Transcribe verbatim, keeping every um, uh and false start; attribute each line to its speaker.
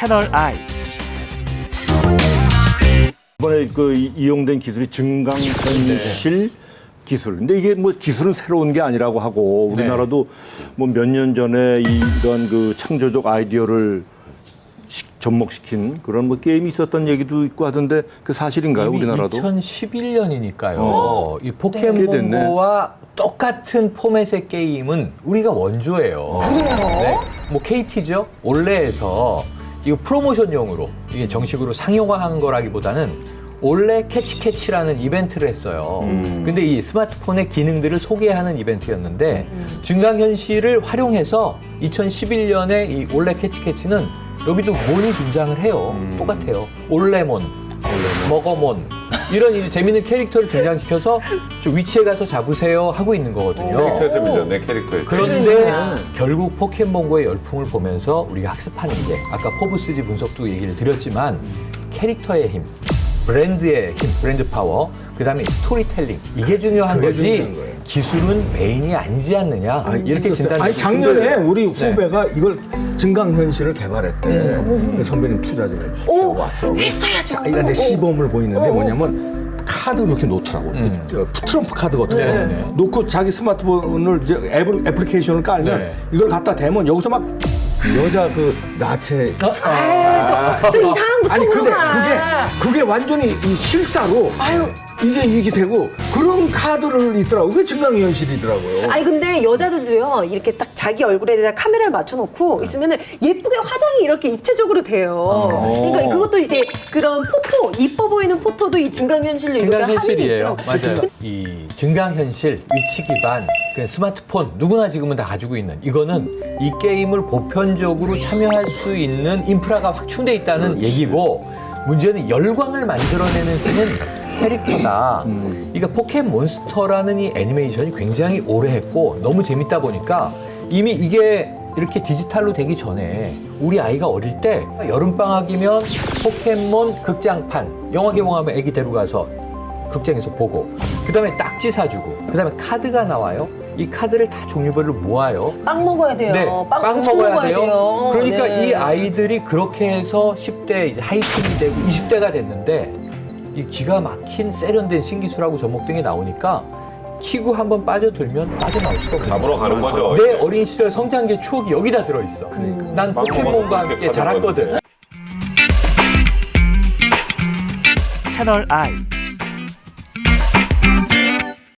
Speaker 1: 채널 I.
Speaker 2: 이번에 그 이- 이용된 기술이 증강현실 기술. 근데 이게 뭐 기술은 새로운 게 아니라고 하고 우리나라도 뭐 몇 년 전에 이런 그 창조적 아이디어를 시- 접목시킨 그런 뭐 게임이 있었던 얘기도 있고 하던데 그 사실인가요,
Speaker 3: 이미
Speaker 2: 우리나라도?
Speaker 3: 이천십일 년이니까요.
Speaker 2: 어.
Speaker 3: 이
Speaker 2: 꽤 됐네.
Speaker 3: 포켓몬고와 똑같은 포맷의 게임은 우리가 원조예요.
Speaker 4: 그래요?
Speaker 3: 네. 뭐 케이티죠. 올레에서 이거 프로모션용으로 이게 정식으로 상용화한 거라기보다는 올레 캐치캐치라는 이벤트를 했어요.
Speaker 2: 음.
Speaker 3: 근데 이 스마트폰의 기능들을 소개하는 이벤트였는데 증강현실을 활용해서 이천십일 년에 이 올레 캐치캐치는 여기도 몬이 등장을 해요.
Speaker 2: 음.
Speaker 3: 똑같아요. 올레몬, 먹어몬 이런 이제 재밌는 캐릭터를 등장시켜서 저 위치에 가서 잡으세요 하고 있는 거거든요.
Speaker 5: 캐릭터에서 밀렸네, 캐릭터에서.
Speaker 3: 그런데 결국 포켓몬고의 열풍을 보면서 우리가 학습하는 게 아까 포브스지 분석도 얘기를 드렸지만 캐릭터의 힘, 브랜드의 힘, 브랜드 파워, 그다음에 스토리텔링 이게 중요한
Speaker 6: 그게
Speaker 3: 거지
Speaker 6: 중요한 거예요.
Speaker 3: 기술은 메인이 아니지 않느냐 이렇게
Speaker 6: 있었어요.
Speaker 3: 진단.
Speaker 6: 아니 작년에 우리 후배가 이걸 증강현실을 개발했대. 선배님 투자 좀 해주시고 왔어.
Speaker 4: 했어야죠.
Speaker 6: 자기가 내 시범을 보이는데 뭐냐면 카드를 이렇게 놓더라고.
Speaker 3: 음.
Speaker 6: 저 트럼프 카드 같은 거.
Speaker 3: 네, 네.
Speaker 6: 놓고 자기 스마트폰을 이제 앱을, 애플리케이션을 깔면
Speaker 3: 네.
Speaker 6: 이걸 갖다 대면 여기서 막 여자 그 나체.
Speaker 4: 아유, 또, 또 이상한 거
Speaker 6: 아니 근데
Speaker 4: 통로가.
Speaker 6: 그게 그게 완전히 이 실사로
Speaker 4: 아유.
Speaker 6: 이게 이게 되고 그런 카드를 있더라고. 그게 증강현실이더라고요.
Speaker 4: 아니 근데 여자들도요 이렇게 딱 자기 얼굴에다 카메라를 맞춰놓고 있으면은 예쁘게 화장이 이렇게 입체적으로 돼요. 그러니까 그것도 이제 그런 포토 이뻐 보이는 포토도 이 증강현실로 이렇게 하는 게
Speaker 3: 증강현실이에요.
Speaker 4: 있더라고요.
Speaker 3: 맞아요. 이 증강현실, 위치 기반, 그 스마트폰 누구나 지금은 다 가지고 있는 이거는 이 게임을 보편적으로 참여할 수 있는 인프라가 확충돼 있다는 얘기고 문제는 열광을 만들어내는 힘은 캐릭터다. 그러니까 포켓몬스터라는 이 애니메이션이 굉장히 오래 했고 너무 재밌다 보니까 이미 이게 이렇게 디지털로 되기 전에 우리 아이가 어릴 때 여름방학이면 포켓몬 극장판 영화 개봉하면 애기 데려가서 극장에서 보고 그다음에 딱지 사주고 그다음에 카드가 나와요. 이 카드를 다 종류별로 모아요.
Speaker 4: 빵 먹어야 돼요.
Speaker 3: 네,
Speaker 4: 빵,
Speaker 3: 빵
Speaker 4: 엄청
Speaker 3: 먹어야 돼요. 그러니까
Speaker 4: 네.
Speaker 3: 이 아이들이 그렇게 해서 십 대 이제 하이틴이 되고 이십 대가 됐는데 이 기가 막힌 세련된 신기술하고 접목등이 나오니까 키구 한번 빠져들면 빠져나올 수가 없어요.
Speaker 5: 잡으러 가는 거죠.
Speaker 3: 내 어린 시절 성장기의 추억이 여기다 들어있어. 난
Speaker 5: 빵
Speaker 3: 포켓몬과
Speaker 5: 먹어서
Speaker 3: 함께
Speaker 5: 그렇게
Speaker 3: 자랐거든.
Speaker 1: 채널 I.